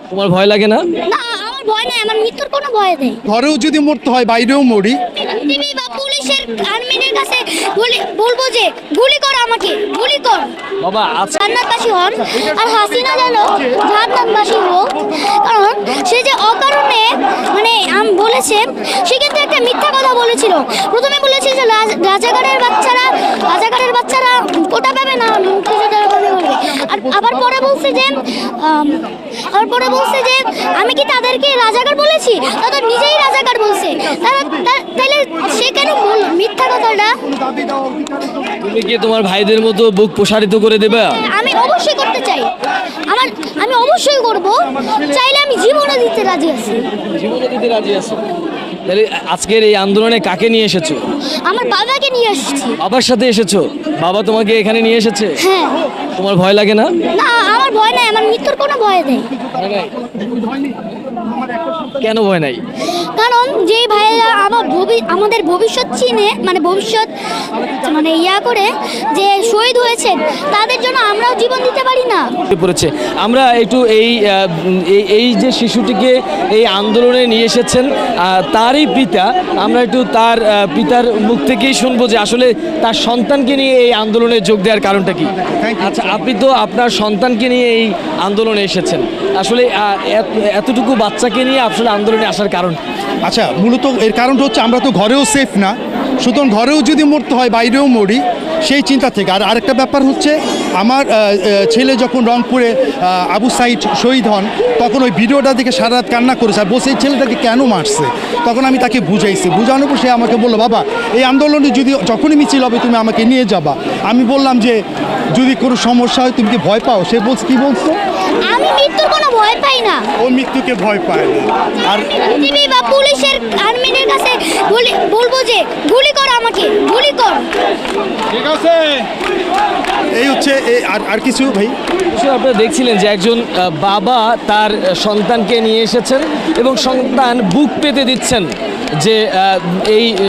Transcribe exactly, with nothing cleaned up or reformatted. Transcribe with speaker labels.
Speaker 1: তোমার ভয় লাগে না?
Speaker 2: না, আমার ভয় নাই, আমার মৃত্যুর কোনো ভয় নেই।
Speaker 3: ঘরেও যদি মরতে হয় বাইরেও মরি।
Speaker 2: টিভি বা পুলিশের আর্মিদের কাছে বলি- বলবো যে গুলি কর, আমাকে গুলি কর।
Speaker 1: বাবা আজ
Speaker 2: জান্নাতবাসী হন আর হাসিনা যেন জান্নাতবাসী হোক, কারণ সে যে অকারণে মানে আম বলেছে, সে কিন্তু একটা মিথ্যা কথা বলেছিল। প্রথমে বলেছে যে রাজ- রাজাকারের বাচ্চারা রাজাকারের বাচ্চারা কোটা পাবে না, মুক্তিযোদ্ধারা পাবে বলবে। আর আবার পরে বলছে যে আম, আবার পরে বলছে যে আমি কি তাদেরকে রাজাকার বলেছি, তারা নিজেই রাজাকার বলছে। তারা তা- তাহলে সে কেন বলল মিথ্যা কথাটা?
Speaker 1: তুমি কি তোমার ভাইদের মতো বুক প্রসারিত করে দেবে?
Speaker 2: আমি অবশ্যই করতে চাই, আমার আমি অবশ্যই করব, চাইলে আমি জীবনে দিতে রাজি আছি।
Speaker 1: জীবনে দিতে রাজি আছো? তাহলে আজকের এই আন্দোলনে কাকে নিয়ে এসেছো?
Speaker 2: আমার বাবাকে নিয়ে আসছি।
Speaker 1: বাবার সাথে এসেছো? বাবা তোমাকে এখানে নিয়ে এসেছে?
Speaker 2: হ্যাঁ।
Speaker 1: তোমার ভয় লাগে না?
Speaker 2: না, আমার ভয় নাই, আমার মৃত্যুর কোনো ভয় নেই।
Speaker 1: কেন ভয় নাই?
Speaker 2: কারণ যেই ভাইয়েরা আমার ভবি- আমাদের ভবিষ্যৎ চিনে, মানে ভবিষ্যৎ মানে ইয়া করে যে শহীদ হয়েছেন, তাদের জন্য আমরাও জীবন দিতে পারি না?
Speaker 1: পড়েছে আমরা একটু এই আহ, এই- এই যে শিশুটিকে এই আন্দোলনে নিয়ে এসেছেন আহ, তারই পিতা, আমরা একটু তার আহ, পিতার মুখ থেকেই শুনবো যে আসলে তার সন্তানকে নিয়ে এই আন্দোলনে যোগ দেওয়ার কারণটা কি। আচ্ছা, আপনি তো আপনার সন্তানকে নিয়ে এই আন্দোলনে এসেছেন, আসলে আহ, এত- এতটুকু বাচ্চাকে নিয়ে আসলে আন্দোলনে আসার কারণ?
Speaker 3: আচ্ছা, মূলত এর কারণটা হচ্ছে আমরা তো ঘরেও সেফ না, সুতরাং ঘরেও যদি মরতে হয় বাইরেও মরি, সেই চিন্তা থেকে। আর আরেকটা ব্যাপার হচ্ছে আমার আহ, আহ, ছেলে যখন রংপুরে আহ, আবু সাইদ শহীদ হন, তখন ওই ভিডিওটা দেখে সারা রাত কান্না করেছে আর বলছে এই ছেলেটাকে কেন মারছে। তখন আমি তাকে বুঝাইছি, বুঝানোর পর সে আমাকে বললো, বাবা এই আন্দোলনে যদি যখনই মিছিল হবে তুমি আমাকে নিয়ে যাবা। আমি বললাম যে যদি কোনো সমস্যা হয় তুমি কি ভয় পাও? সে বলছে, কি বলছো?
Speaker 2: আমি মৃত্যুর কোনো ভয় পাই না।
Speaker 3: ও মৃত্যুকে ভয় পায় না। আর
Speaker 2: টিভি বা পুলিশের আর্মিদের কাছে বলি- বলবো যে গুলি কর, আমাকে গুলি কর।
Speaker 3: এই হচ্ছে এ- আর আর কিছু ভাই।
Speaker 1: অবশ্যই আপনারা দেখছিলেন যে একজন আহ, বাবা তার আহ, সন্তানকে নিয়ে এসেছেন এবং সন্তান বুক পেতে দিচ্ছেন যে আহ, এই